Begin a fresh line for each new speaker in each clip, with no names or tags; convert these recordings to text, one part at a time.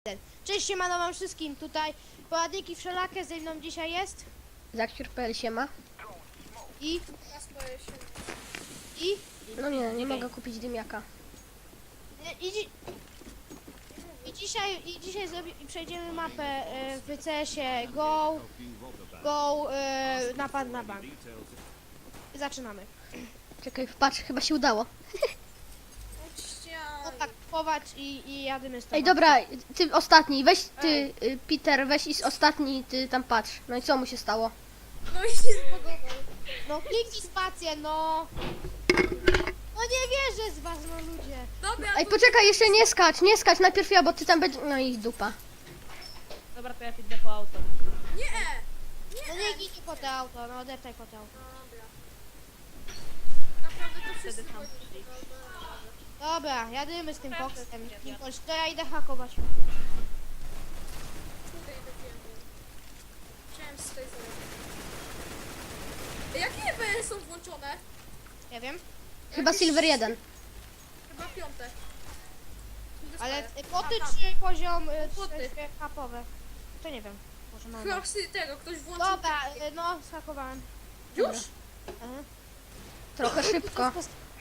Cześć, siemano wam wszystkim, tutaj poradniki wszelakie, ze mną dzisiaj jest
Zakciur.pl siema.
i
No nie mogę kupić dymiaka.
dzisiaj przejdziemy mapę w CS-ie Go napad na bank. Zaczynamy.
Czekaj, patrz, chyba się udało.
No tak, kupować i jadymy z tobą.
Ej, dobra, ty ostatni, weź ty, Peter, weź i ostatni, ty tam patrz. No i co mu się stało?
No i się zbugował.
No kliknij spację, no! No nie wierzę z was, no ludzie.
Dobra,
Ej, poczekaj, jeszcze nie skacz, najpierw ja, bo ty tam będzie... No i dupa.
Dobra, to ja idę po auto.
nie!
No nie gidźcie po te auto, no deptaj po te auto.
Dobra. Naprawdę to wszyscy
tam
chodzi.
przyjść.
Dobra, jadymy z tym koksem. To ja idę hakować.
Tutaj dopiero. Chciałem z tej zarobić. Jakie EBS są włączone?
Nie wiem,
Chyba Silver 1.
Chyba piąte.
ale
Dostaję.
poty
Aha.
czy poziom
Poty.
hapowe? To nie wiem. Może no.
Chyba tego, ktoś włączył.
Dobra, no schakowałem.
Już?
Aha.
Trochę szybko.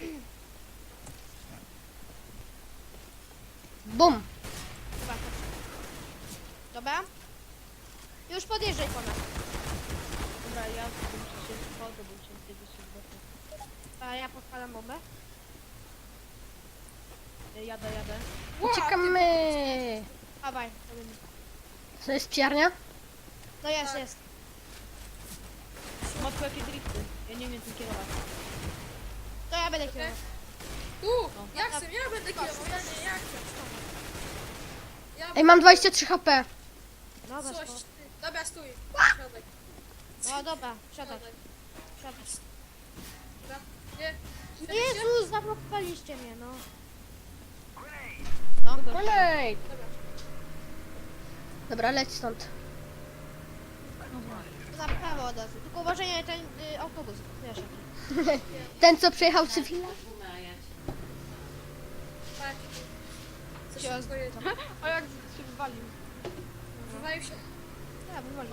Bum.
Dobra, dobra. Już podjeżdżaj po nas.
Dobra, ja muszę się wchodzę, bo muszę tego się zboczyć.
A ja podpalam bombę.
Jadę.
Uciekamy.
Dawaj, robimy.
Co jest psiarnia?
No jest.
Matko, jakie drifty. Ja nie wiem tym kierować.
To ja będę kierował.
Tu! Jak chcę? Ja będę kierował. Ja nie, jak chcę.
Ej, mam 23 HP.
Dobra,
Coś.
spoko.
Dobra, stój. Środek.
No dobra, siadaj.
Środek.
Siadaj.
Dobra. Nie.
Jezus, zablokowaliście mnie, no.
Olej.
Dobra.
Dobra, leć stąd.
Na prawo od razu. Tylko uważaj na ten autobus. Wiesz jaki.
Ten, co przejechał cywila?
Tak. Co
Się
się dzieje?
A jak się wywalił?
Wywalił się.
Ja wywolę.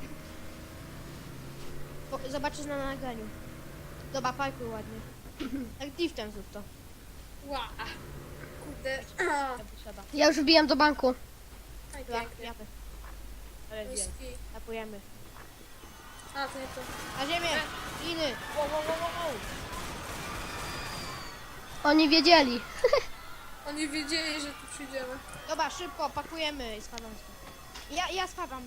Zobaczysz na nagraniu. Dobra, parkuj ładnie. Jak driftem zrób to.
Ła. Kurde.
Ja wysiadam.
Ja już wbijam do banku.
Aj,
Dobra,
pięknie.
japy.
Ale wiem.
Whisky.
Tapujemy.
A, to nie to.
Na ziemię! Liny!
Wow.
Oni wiedzieli.
Oni wiedzieli, że tu przyjdziemy.
Dobra, szybko, pakujemy i spadam stąd. Ja spadam.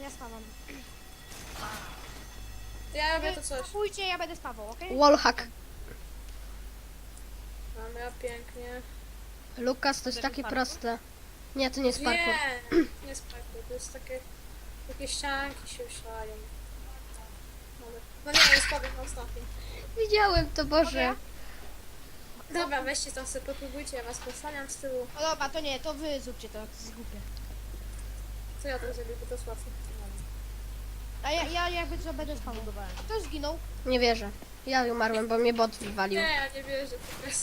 Ja robię to coś.
Pójdźcie, ja będę spawał, okej?
Wallhack.
Dobra, pięknie.
Lukas, to jest takie proste. Nie, to nie jest parkour.
Nie jest parkour, to jest takie ścianki się szlają. No nie, jest spadek na ostatnim.
Widziałem to, Boże.
Dobra, weźcie tam sobie, popróbujcie, ja was posłaniam z tyłu.
No dobra, to nie, to wy zróbcie to, to jest głupie.
Co ja tam zrobię, bo to jest łatwe.
A ja jakby co będę spawał. Kto zginął?
Nie wierzę. Ja umarłem, bo mnie bot wywalił.
Nie, ja nie wierzę, po prostu.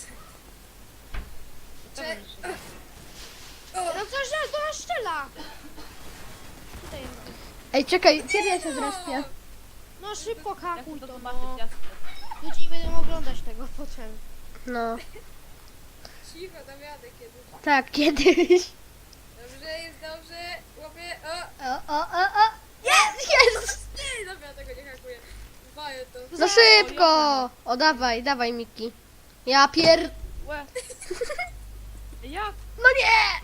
Cze-
No co że do nas strzela! Tutaj jest.
Ej, czekaj, kiedy ja się zrespię?
No szybko
Ja
hakuj
chcę to
to,
zobaczyć
no.
jasno.
Ludzie nie będą oglądać tego potem.
No,
Cicho, dam radę kiedyś.
tak, kiedyś.
Dobrze, jest dobrze. Łapię,
O. Jest!
Nie, dobra, tego nie hakuję. Waję to.
No szybko! O, dawaj, Miki. Ja
Łe. Jak?
No nie!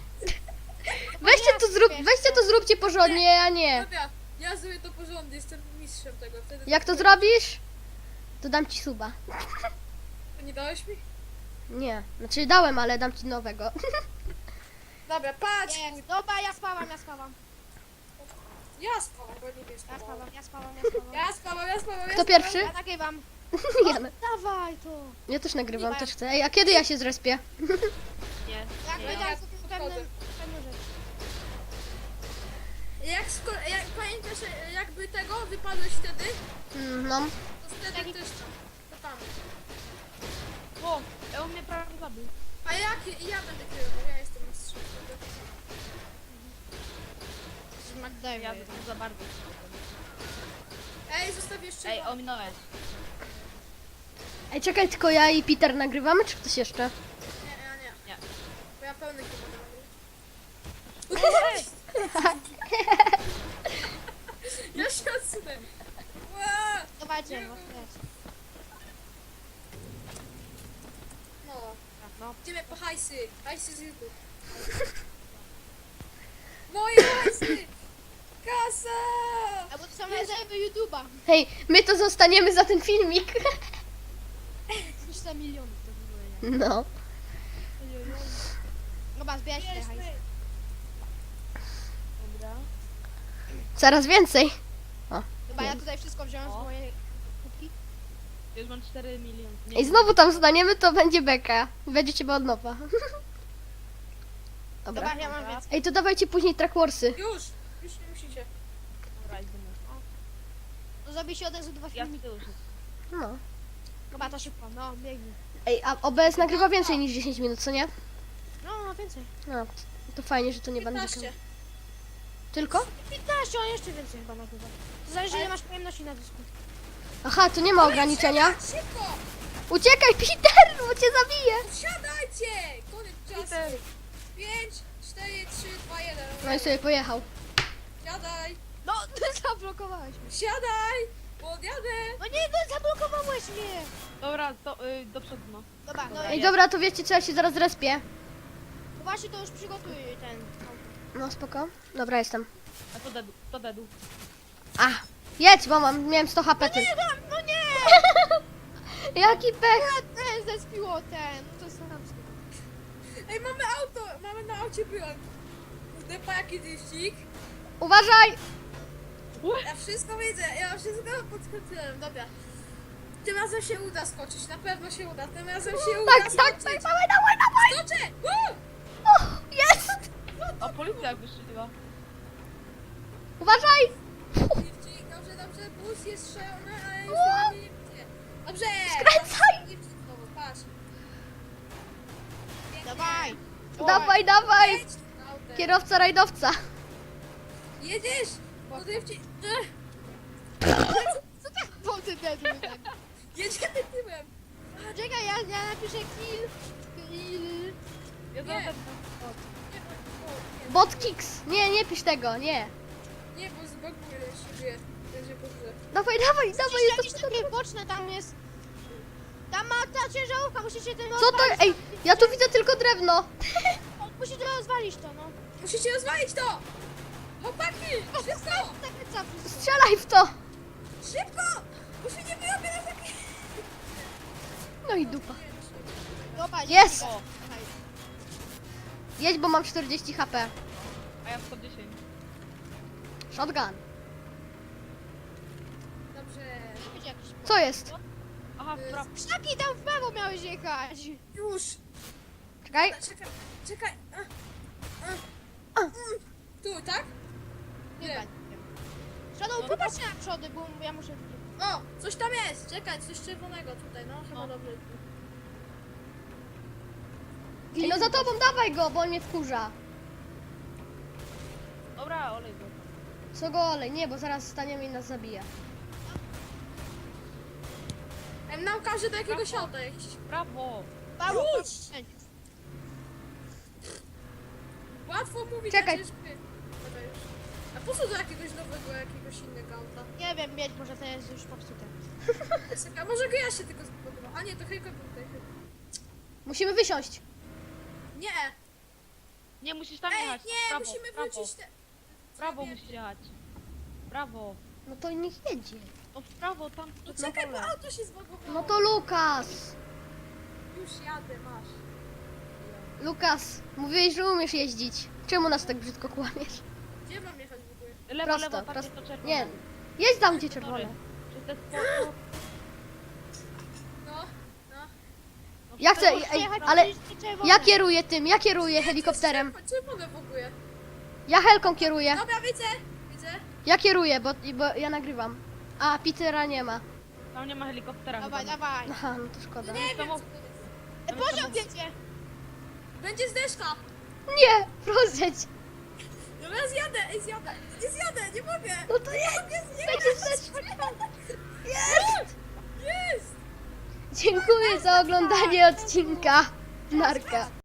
Weźcie to zróbcie porządnie, a nie.
Dobra, ja zrobię to porządnie, jestem mistrzem tego. Wtedy
Jak to zrobisz? To dam ci suba.
Nie dałeś mi?
Nie, znaczy dałem, ale dam ci nowego.
Dobra, patrz!
Nie, dobra, ja spałam.
Ja spałam, bo nie wiesz.
Ja spałam.
Kto pierwszy?
Ja nagrywam.
Ja,
Dawaj to.
ja też nagrywam, też chcę. Ej, a kiedy ja się zrespię?
Nie.
Jak
Nie,
wydam
ja
sobie
podchodzę.
pewną rzecz.
Jak pamiętasz, jakby tego wypadłeś wtedy,
No,
to wtedy też tam. To tam.
O, on mnie prawie zabił.
A jak ja będę kierował? Ja jestem mistrzem.
McDavid.
Ja bym za bardzo.
Ej, zostaw jeszcze.
Ej, ominąłeś.
Ej, czekaj, tylko ja i Peter nagrywamy, czy ktoś jeszcze?
Nie, ja nie.
Nie.
Bo ja pełny chyba mam. Ja się odsunę. Ła!
Dawajcie, no, jest.
No,
No.
idziemy po hajsy. Hajsy z YouTube. Moje hajsy! Kasa!
A bo to są rezerwy YouTube'a.
Hej, my to zostaniemy za ten filmik.
300 milionów to w ogóle nie.
No.
Dobra, zbierać te hajsy.
Dobra.
Coraz więcej.
Dobra, ja tutaj wszystko wziąłem z mojej kubki.
Już mam 4 miliony. Nie,
I znowu tam zostaniemy, to będzie beka. Będzie ciebie od nowa. Dobra.
Dobra, ja mam więcej.
Ej, to dawajcie później Track Warsy.
Już nie musicie.
Dobra, idziemy.
To zrobi się od razu 2
Ja z
filmiki.
tyłu się.
No.
Dobra, to szybko, no, biegnij.
Ej, a OBS nagrywa więcej niż 10 minut, co nie?
No, więcej.
No, to fajnie, że to nie będzie.
15.
Tylko?
15, on jeszcze więcej chyba nagrywa. To zależy ile masz pojemności na dysku.
Aha, to nie ma ograniczenia.
Szybko!
Uciekaj, Peter, bo cię zabiję.
Wsiadajcie! Koniec czasu. 5, 4, 3, 2, 1.
No i sobie pojechał.
Siadaj!
No, ty zablokowałeś mnie.
Siadaj! Podjadę!
No nie, no zablokowałeś mnie.
Dobra, to do przodu no.
Dobra, no
Ej,
i
dobra, to wiecie co, ja się zaraz respię.
właśnie to już przygotuj ten auto.
No, spoko. Dobra, jestem.
A to dedu.
A, jedź, bo miałem 100 HP. Ty.
No nie!
Jaki pech.
Ten zespiło ten. To jest chamskie.
Ej, mamy auto! Mamy na aucie byłem. Kurde, pa jaki wyścig.
Uważaj.
Ja wszystko widzę, ja wszystko podskoczyłem, dobra. Tym razem się uda skoczyć, na pewno się uda, tym razem się uda
Tak, tak,
skoczyć.
tak, dawaj, dawaj, dawaj.
Skoczę! Woo!
O, jest.
A policja wystrzeliła.
Uważaj.
Lifcik, dobrze, dobrze, bus jest strzelony, ale już
Wow.
nie widzę. Dobrze!
Skręcaj.
Lifcik znowu, patrz. Pięknie.
Dawaj.
Dawaj, dawaj.
Jedź tym autem.
Kierowca, rajdowca.
Jedziesz! No lifcik,
Co tak po ty dedły tak?
jedziemy tyłem.
Czekaj, ja napiszę kill. Kill.
Ja
Nie.
zaraz
Bot kicks. Nie, nie pisz tego, nie.
Nie, bo zbaguje siebie, będzie dobrze.
Dawaj, dawaj, dawaj.
Jakieś takie boczne tam jest. Tam ma ta ciężarówka, musicie ten
Co to?
rozwalić.
Ej, ja tu widzę tylko drewno.
Musicie rozwalić to, no.
Musicie rozwalić to! Chłopaki! Szybko!
Tak wyca wszystko.
Strzelaj w to.
Szybko! Bo się nie wyrobię na takie...
No i dupa.
Dobra,
Jest.
O.
Jedź, bo mam 40 HP.
A ja 110.
Shotgun.
Dobrze.
Będzie jakiś...
Co jest?
Aha, w prawo.
Krzaki tam w prawo miałeś jechać.
Już!
Czekaj.
Czekaj, czekaj. Tu, tak?
Nie
Nie.
wiem. Shadow, popatrz na przody, bo ja muszę...
O, coś tam jest. Czekaj, coś czerwonego tutaj, no chyba dobrze.
Ej, no za tobą dawaj go, bo on mnie wkurza.
Dobra, olej go.
Co go olej? Nie, bo zaraz staniemy i nas zabije.
Nam każe do jakiegoś auta jakiś.
Prawo.
Paweł,
Już! Łatwo mówić,
Czekaj.
a ciężko. Dobra, już. A po co do jakiegoś nowego, jakiegoś innego auta?
Nie wiem, mieć, może to jest już popsute.
A może go ja się tylko zbudował? A nie, to hejko był tutaj.
Musimy wysiąść.
Nie!
Nie, musisz tam
Ej,
jechać.
nie,
prawo,
musimy
prawo.
wrócić te...
Prawo musisz jechać. Prawo.
No to niech jedzie.
No w prawo, tam
No
przed na
czekaj, bo
pole.
auto się zbagowało.
No to Lukas.
Już jadę, masz.
Lukas, mówiłeś, że umiesz jeździć. Czemu nas tak brzydko kłamiesz?
Gdzie mam jechać w ogóle?
Lewo,
Prosto,
lewo, tam
prosto.
jest to czerwone.
Nie, jedź tam gdzie czerwone.
Przez te spoko.
No, no.
Ja chcę, ej, ale
czerwone.
ja kieruję tym, ja kieruję helikopterem.
Czerwone w ogóle.
Ja helką kieruję.
Dobra, widzę, widzę.
Ja kieruję, bo ja nagrywam. A, Petera nie ma.
Tam nie ma helikoptera.
Dawaj,
chyba.
dawaj.
Aha, no to szkoda.
Nie wiem, co
samochód.
to jest.
Pociąg jedzie.
Będzie zdeszka.
Nie, rozjedź.
Dobra, zjadę, ej, zjadę. Nie zjadę, nie mogę.
No to jest!
Nie
Będziesz Jest!
Jest!
Dziękuję za oglądanie odcinka. Narka.